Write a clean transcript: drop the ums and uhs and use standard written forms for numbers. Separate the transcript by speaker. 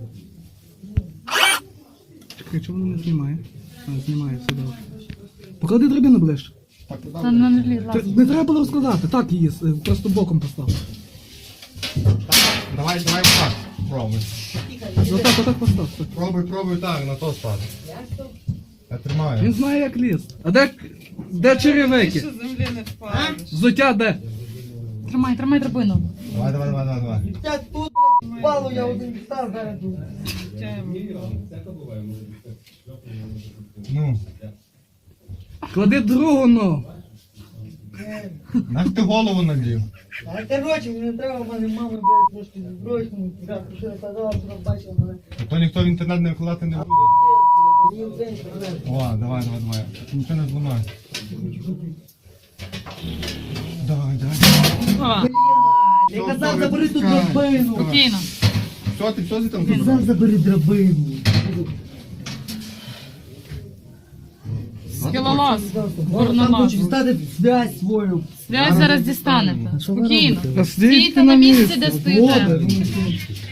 Speaker 1: Чекай, чого воно не знімає? А, знімає, все добре. Поклади драбину ближче.
Speaker 2: Вона не влізла.
Speaker 1: Не треба було розкладати, так її, просто боком постав.
Speaker 3: Давай так, пробуй.
Speaker 1: Отак постав. все.
Speaker 3: Пробуй так, на то стати. Я тримаю.
Speaker 1: Він знає, як ліз. А де черевики?
Speaker 2: Землі не впадеш.
Speaker 1: Взуття де?
Speaker 2: Тримай драбину.
Speaker 3: Давай.
Speaker 4: Я тут, впало, я один став зараз тут.
Speaker 3: Ну,
Speaker 1: Клади другу ногу.
Speaker 3: наш ти голову нагрів.
Speaker 4: А короче, мені не треба, в мене мама, блядь, трошки збросила. Що я казала, що бачила мене.
Speaker 3: То ніхто в інтернет не вкладати не буде.
Speaker 4: Мені в день проблем.
Speaker 3: О, давай. Нічого не зламає. Давай.
Speaker 4: Я казав, забери ту драбину.
Speaker 2: Спокійно.
Speaker 3: Що ти там
Speaker 4: Казав,
Speaker 3: зробив?
Speaker 4: забери драбину.
Speaker 2: Скілолаз.
Speaker 4: Там
Speaker 2: Горнолаз.
Speaker 4: хочу дістати связь свою.
Speaker 2: Связь зараз дістанете.
Speaker 4: Що ви
Speaker 2: Спокійно.
Speaker 4: робите?
Speaker 2: Стійте на місці, де стоїте.
Speaker 4: Вот,